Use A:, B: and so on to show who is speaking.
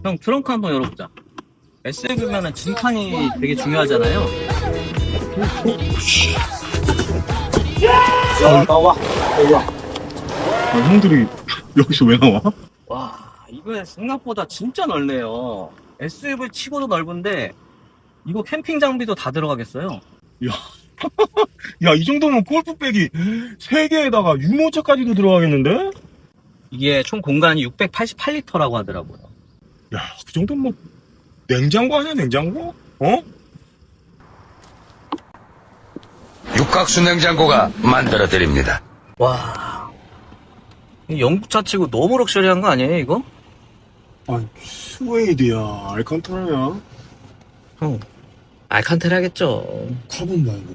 A: 형, 트렁크 한번 열어보자. SUV면은 진칸이 되게 중요하잖아요.
B: 야, 나와. 나와.
C: 아, 형들이 여기서 왜 나와?
A: 와, 이거 생각보다 진짜 넓네요. SUV 치고도 넓은데, 이거 캠핑 장비도 다 들어가겠어요.
C: 야, 이 정도면 골프백이 3개에다가 유모차까지도 들어가겠는데?
A: 이게 총 공간이 688리터라고 하더라고요.
C: 야, 그 정도면 뭐 냉장고 아니야, 냉장고? 어?
D: 육각수 냉장고가 만들어 드립니다.
A: 와, 이 영국차 치고 너무 럭셔리한 거 아니에요, 이거?
C: 아, 스웨이드야, 알칸타라야.
A: 형, 알칸테라 하겠죠.
C: 카본 말고.